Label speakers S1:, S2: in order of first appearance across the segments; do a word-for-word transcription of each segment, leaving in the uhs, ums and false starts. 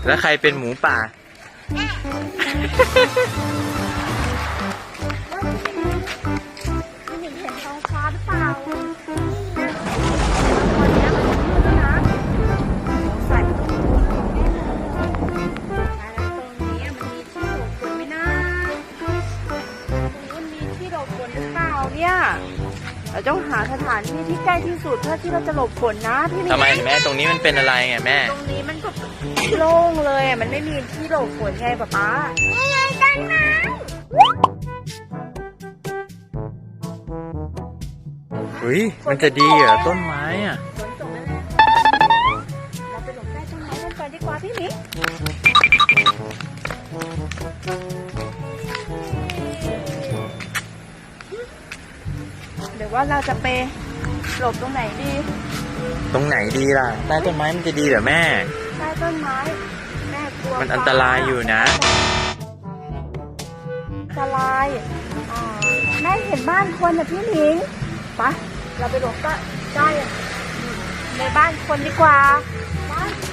S1: แล้วใครเป็นหมูป่า
S2: พี่หนิงเห็นท้องฟ้าหรือเปล่าตอนนี้มันมืดแล้วนะใส่ตรงนี้มันมีที่หลบฝนไหมนะตรงนี้มันมีที่หลบฝนหรือเปล่าเนี่ยเราต้องหาสถานที่ที่ใกล้ที่สุดเพื่อที่เราจะหลบฝนนะพี่หนิง
S1: ทำไมแม่ตรงนี้มันเป็นอะไรไงแม่
S2: ตรงนี้มันก็โล่งเลยอ่ะมันไม่มีที่หลบฝนไงป๊าป๊านี่ไงต้นไม้
S1: เฮ้ยมันจะดีเหรอต้นไม้อ่ะ
S2: ฝนตกแล้วนะเราไปหลบใต้ต้นไม้กันก่อนดีกว่าพี่หมิงหรือว่าเราจะไปหลบตรงไหนดี
S1: ตรงไหนดีล่ะใต้ต้นไม้มันจะดีเหรอแม่
S2: ใต้ต้นไม้แม่กลัว
S1: มันอันตรายอยู่นะ
S2: อันตรายอ่าแม่เห็นบ้านคนนะพี่หมิงไปเราไปหลบใต้ใต้ในบ้านคนดีกว่าไป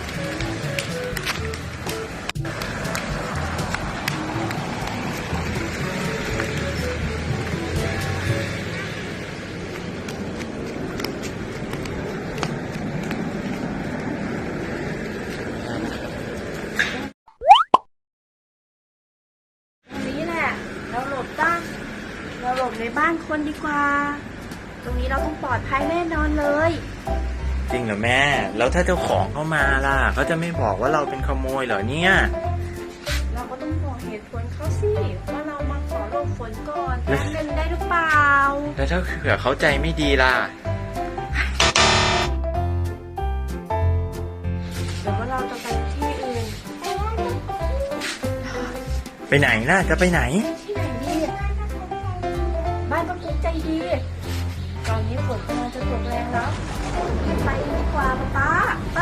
S2: เราหลบตั้งเราหลบในบ้านคนดีกว่าตรงนี้เราต้องปลอดภัยแน่นอนเลย
S1: จริงเหรอแม่แล้วถ้าเจ้าของเข้ามาล่ะเขาจะไม่บอกว่าเราเป็นขโมยเหรอเนี่ย
S2: เราก็ต้องบอกเหตุผลเขาสิว่าเรามาขอหลบฝนก่อนแป๊บนึงได้หรือเปล่า
S1: แล้วถ้าเผื่อเขาใจไม่ดีล่ะ
S2: หรือว่าเราจะไปที่อื่น
S1: ไปไหนน่ะจะไปไหน
S2: บ้านต้องกุ๊กใจดีตอนนี้ฝนกำลังจะตกแรงแล้วไปดีกว่าป๊าไป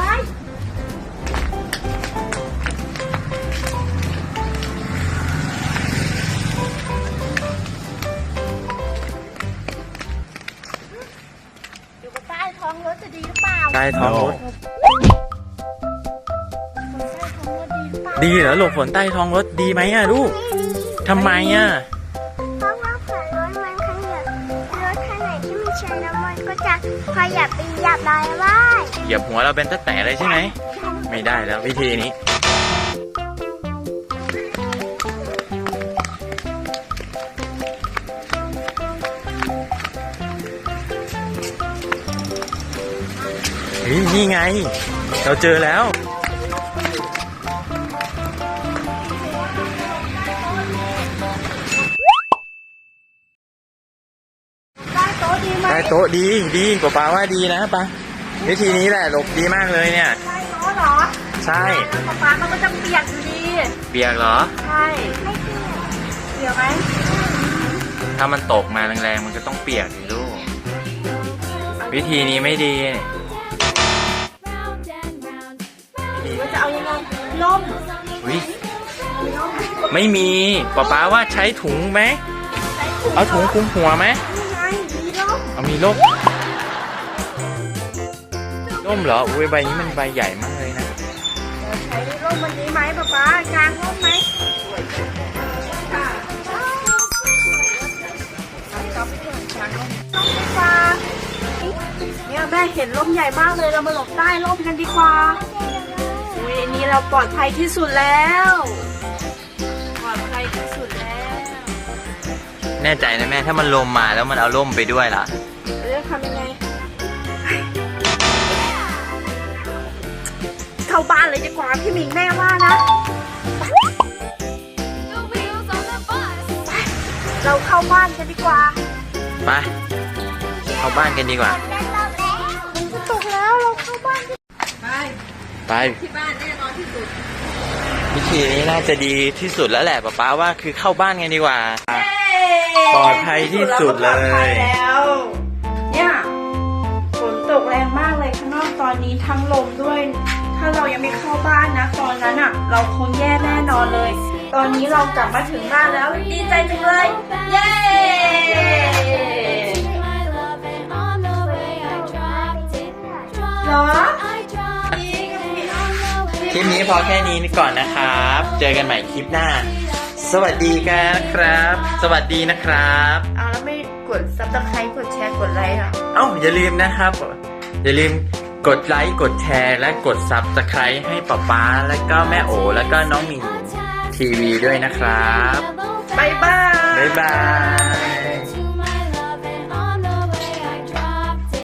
S2: อยู่ใต้ท้องรถจะดีหรือเปล่า
S1: ใต้ท้องรถ
S2: ดี
S1: ดีเหรอหลบฝนใต้ท้องรถดีไหมอ่ะลูกทำไมอ่ะ
S3: เพราะว่าฝนรถมันขยับรถคันไหนที่มันชนแล้วมันก็จะขยับไปเหยียบเราได้
S1: เหยียบหัวเราเป็นตะแต่เลยใช่ไหมไม่ได้แล้ววิธีนี้เฮ้ยนี่ไงเราเจอแล้วใต้โต๊ะดีดีกว่าป้าว่าดีนะป้าวิธีนี้แหละหลบดีมากเลยเนี่ย
S2: ใต้โต๊ะเหรอ
S1: ใช่
S2: ป้าป้ามันก็จะเปียกอยู่ดี
S1: เปียกเหรอ
S2: ใช่ไม่เปียกเปียกไหม
S1: ถ้ามันตกมาแรงๆมันก็ต้องเปียกสิลูกวิธีนี้ไม่ดี
S2: ว่าจะเอายังไงล่ม
S1: อุ้ยไม่มีป้าป้าว่าใช้ถุงไหมเอาถุงคลุมหัวไหมเอามีร่มร่มเหรออุ้ยใบนี้มันใบใหญ่มากเลยนะ
S2: ใช้ร่มวันนี้ไหมป๊าป๊ากางร่มไหมเนี่ยแม่เห็นร่มใหญ่มากเลยเรามาหลบใต้ร่มกันดีกว่าอุ้ยนี่เราปลอดภัยที่สุดแล้วปลอดภัยที่สุดแล้ว
S1: แน่ใจนะแม่ถ้ามันลมมาแล้วมันเอาร่มไปด้วยล่ะ
S2: เรื่องทำยังไงเข้าบ้านเลยดีกว่าพี่หมิงแม่ว่านะเราเข้าบ้านกันดีกว่า
S1: ไปเข้าบ้านกันดีกว่า
S2: มันจะตกแล้วเราเข้าบ้านไป
S1: ไป
S2: ที่บ้านแน่นอนที่สุด
S1: วิธีนี้น่าจะดีที่สุดแล้วแหละป๊าป๊าว่าคือเข้าบ้านกันดีกว่าปลอดภัยที่สุดเลย
S2: แล้วเนี่ยฝนตกแรงมากเลยข้างนอกตอนนี้ทั้งลมด้วยถ้าเรายังไม่เข้าบ้านนะตอนนั้นอ่ะเราคงแย่แน่นอนเลยตอนนี้เรากลับมาถึงบ้านแล้วดีใจจังเลยเย้เหรอจริงพี่
S1: คลิปนี้พอแค่นี้ก่อนนะครับ เจอกันใหม่คลิปหน้า สวัสดีกันครับ สวัสดีนะครับ
S2: เอาแล้วไม่กดซับสไครต์กดแชร์กดไลค์อ่ะ
S1: เอ้าอย่าลืมนะครับ อย่าลืมกดไลค์กดแชร์และกด ซับสไครบ์ ให้ป๊าป๊าและก็แม่โอและก็น้องหมิงทีวีด้วยนะครับ
S2: บ๊ายบาย
S1: บ๊ายบาย